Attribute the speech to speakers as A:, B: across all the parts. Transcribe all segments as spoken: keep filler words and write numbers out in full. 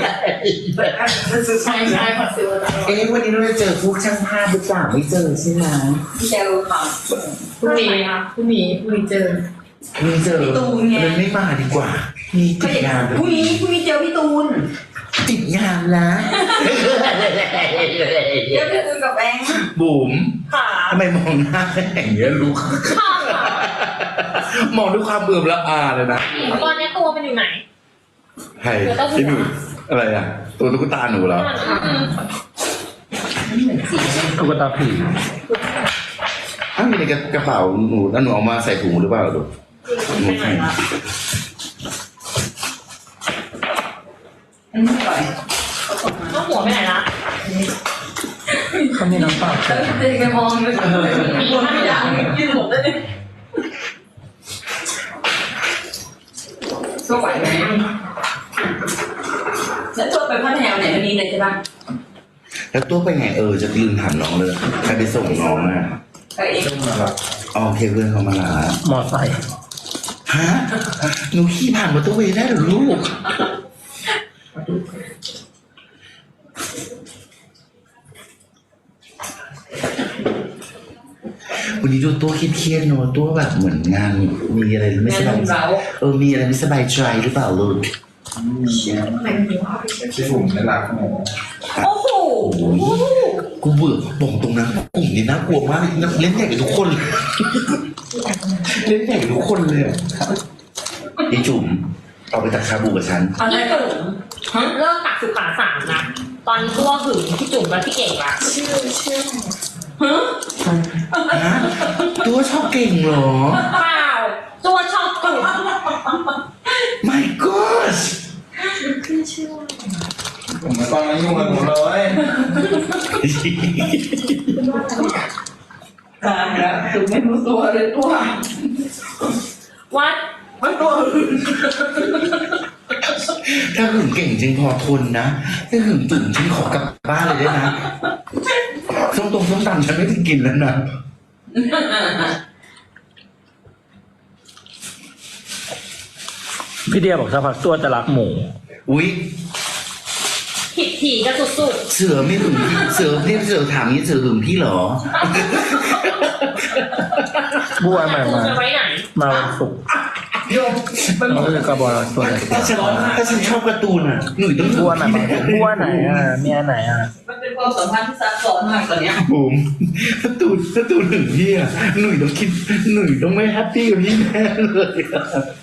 A: ใช่ใช่ขอซื้อมาตลอด
B: เอ๊ะวันนี้เราจะเจอพวกช่างภาพหรือเปล่าไม่เจอใช่ไหม
C: เจอค่ะ
A: พรุ่งนี้ค่ะพรุ่งนี้พรุ่งนี้เจอ
B: ไม่เจอมันไม่มาดีกว่ามีติดงาน
C: พรุ่งนี้พรุ่งนี้เจอพี่ตูน
B: ติดงานนะ
C: เจอพี่ตูนกับแบงค์
B: บุ๋ม
A: ค่ะ
B: ทำไมมองหน้าอย่างเงี้ยลูก
A: ค่ะ
B: มองด้วยความเบื่อละอาเลยนะ
A: ตอนนี้ตัวเป็นอยู่ไหน
B: ใครที่หนูอะไรอ่ะตัวตุ๊กตาหนูเหรอ
D: ตุ๊กตาผี
B: อ้าวมีในกระเป๋าหนูแล้วหนูเอามาใส่ถุงหรือเปล่าลูกหนูใส่
C: อันนี้ก่อน
A: ต้องหัวไปไหนละ
D: เขามีน้ำเปล่า
C: แล้วเด็กไปมองเลยมีคนไม่อยากยืนหมดเลยสู้ไหวไหมแล้วตัวไปพัทยาไหนวันนี้เลยใช่ปะ
B: แล้วตัวไปไงเออจะลืมถามน้องเลยใครไปส่งน้องอ่ะ
C: ไปเอง
B: อ๋อโอเคเพื่อนเขามาลาม
D: อไซค์
B: ฮะหนูขี่ผ่านมอเตอร์เวย์ได้เหรอลูกวันนี้ดูตัวเครียดๆเนอะตัวแบบเหมือนงานมีอะไรไม่สบายใจเออมีอะไรไม่สบายใจหรือเปล่าลูก
E: ที่ผมได้รักหมอ
A: โอ้โห
B: โอ้ยกูเบื่อบอกตรงนั้นกลุ่มนี้น่ากลัวมากเล่นใหญ่กับทุกคนเลยเล่นใหญ่กับทุกคนเลยไอ้จุ๋มเอาไปตักชาบูกับฉัน
A: พี่จุ๋มเลิกตักสุขาสามนะตอนนี้ตัวหึงพี่จุ๋มกับพี่เก่งละชื่อชื่อ
B: ฮะตัวชอบเก่งเหรอ
A: เปล่าตัวชอบจุ๋ม
B: My God
E: ผมไม่ต้องมายุ่งกับผมเลย
C: ตายแล้วตูไม่รู้ตัวเลยตัว
A: วัด
C: มันตัวอื่น
B: ถ้าหึงเก่งจริงพอทนนะถ้าหึงตึงฉันขอกลับบ้านเลยได้นะส้มตรงส้มตำฉันไม่ได้กินแล้วนะ
D: พี่เดียบอกสักพักตัวจะรักหมู
B: อุ๊ย
A: ผิดถี่กันสุด
B: เสือไม่หึงพี่เสือพี่เสือถามนี้เสือหึงพี่เหรอ
D: บัวใหม่
A: ๆคุณ
D: มา
A: จะไว้ไหน
D: มาวันศุกร์
C: โยม
D: เราจะกระบอกตัวไหน
B: ถ้าฉันถ้าฉันชอบการ์ตูนอ่ะหนุ่ยต้องหึง
D: บัวไหน
B: พี่แน่เลย
D: บัวไหนอ่ะเมียไหนอ่ะ
C: มันเป็นความสัมพันธ์ที่ซับซ้อนมากตอนเนี้ย
B: บุ๋มการ์ตูนการ์ตูนหึงพี่อ่ะหนุ่ยต้องคิดหนุ่ยต้องไม่แฮปปี้กับพี่แน่เลยอะ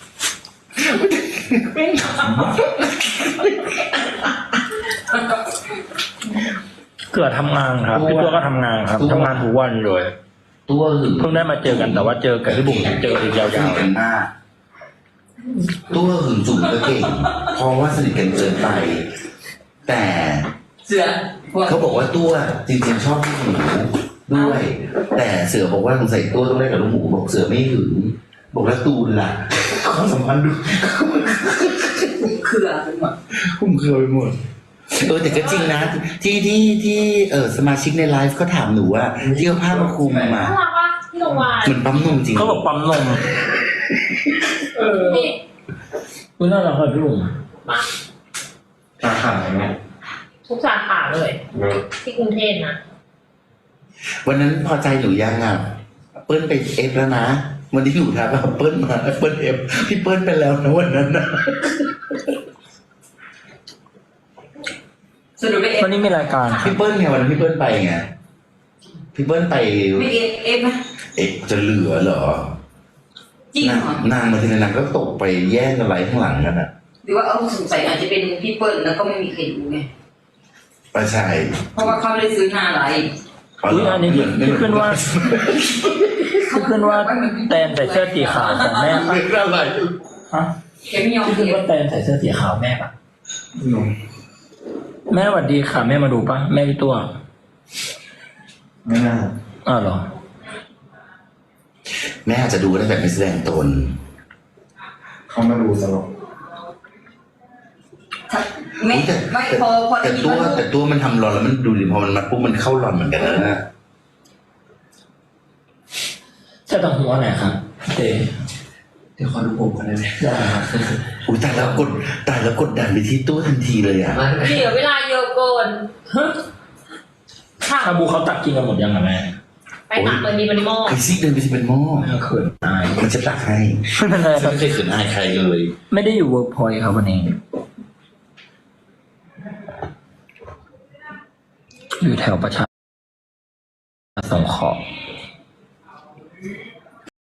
B: ไม่ขำ
D: เกิดทำงานครับพี่ตัวก็ทำงานครับทำงานทุกวันเลย
B: ตัวหึง
D: เพิ่งได้มาเจอกันแต่ว่าเจอกับพี่บุ๋มเจออีกยา
B: สนิ
D: ว
B: ทกันมากตัวหึงจุ๋มก็เก่งเพราะว่าสนิทกันเกินไป แต่
C: เสือ
B: เขาบอกว่าตัวจริงๆชอบลูกหมูด้วย แต่เสือบอกว่าสงสัยตัวต้องได้กับลูกหมูบอกเสือไม่หึงบอกแล้วตูนล่ะความสัมพันธ์ดู
C: เครือไปหมด
B: คุ้มเครือไปหมดเออแต่ก็จริงนะ ที่ที่ที่เออสมาชิกในไลฟ์ก็ถามหนูว่าที่เอาผ้ามาคลุมมา
A: น่ารักปะพี่โรงพยาบาล
B: เหมือนปั๊มนมจริง
D: ๆเขาบอกปั๊มนม
A: นี่
D: คุณน่ารักครับพี่บุ๋ม
A: มา
E: ตาขาดไหม
A: ทุกสาขาเลย ที่กรุงเทพนะ
B: วันนั้นพอใจหนูยังอ่ะเปิ้ลไปเอฟแล้วนะวันที่หนูทักว่าเปิ้ลมาเปิ้ลเอฟพี่เปิ้ลไปแล้วนะวันนั้นนะ
C: สรุปไม่เอฟ
D: วันนี้มีรายการครับ
B: พี่เปิ้ลไงวันนั้นพี่เปิ้ลไปไงพี่เปิ้ลไป
C: ไม่เอฟเอฟนะ
B: เอ๊ะจะเหลือเหรอ
C: จริง
B: นาง
C: เหรอน
B: างมาทีละนางก็ตกไปแย่งกันไรข้างหลังกันอ่ะ
C: หรือว่าเอาสงสัยอาจจะเป็นพี่เปิ้ลแล้วก็ไม่มีใครรู้ไง
B: ประชัย
C: เพราะว่าเขาไม่ได้ซื้อหน้าอะไร
D: อุ้ยอันนี้ที่ที่ขึ้นว่าที่ขึ้นว่าแตนใส่เสื้อสีขาวของแม่ปะ
B: เป็นอะไร
D: ฮะ
C: แกไม่ยอม
D: ที่
C: เอ
D: ขึ้น
C: ฟ
D: ว่าแตนใส่เสื้อสีขาวแม่ปะ
E: หนุ่ม
D: แม่สวัสดีค่ะแม่มาดูปะแม่พี่ตัว
E: ไม่น่า
D: อ้าวเหรอ
B: แม่อาจจะดูได้แบบไม่แสดงตน
E: เขามาดูตลก
C: ไม่
B: แต่
C: ไม่พอพอ
B: แต่
C: ได้ยิน
B: ตัว
C: ว่า
B: แต่ตัวมันทำรอนแล้วมันดูดิพอมันมาปุ๊บมันเข้ารอนเหมือนกันแล้วนะ
D: ใช่ต่างหัวไหนครับเต
C: เดี๋ยวขอดูผมกันได้ไหม
D: ได้ครับ
B: อุ้ยตายแล้วกดตายแล้วกดดันไปที่ตู้ทันทีเลยอ่ะ
A: เหลือเวลาเยอะเกินค่ะ
D: ชาบูเขาตักกินกันหมดยังอะแม่
A: ไปตักเบอร์ดีมันหม้อ
B: ไอซิกเดินไปสิเป็นหม้อ
D: เขินอาย
B: มันจะตักให้
D: ไม่เป็นไรค
B: ฉั
D: รั
B: น
D: บ
B: ไม่เคยเขินอายใครเลย
D: ไม่ได้อยู่เวิร์กพอยต์ครับวันนี้ อยู่แถวประชาสงเคราะห์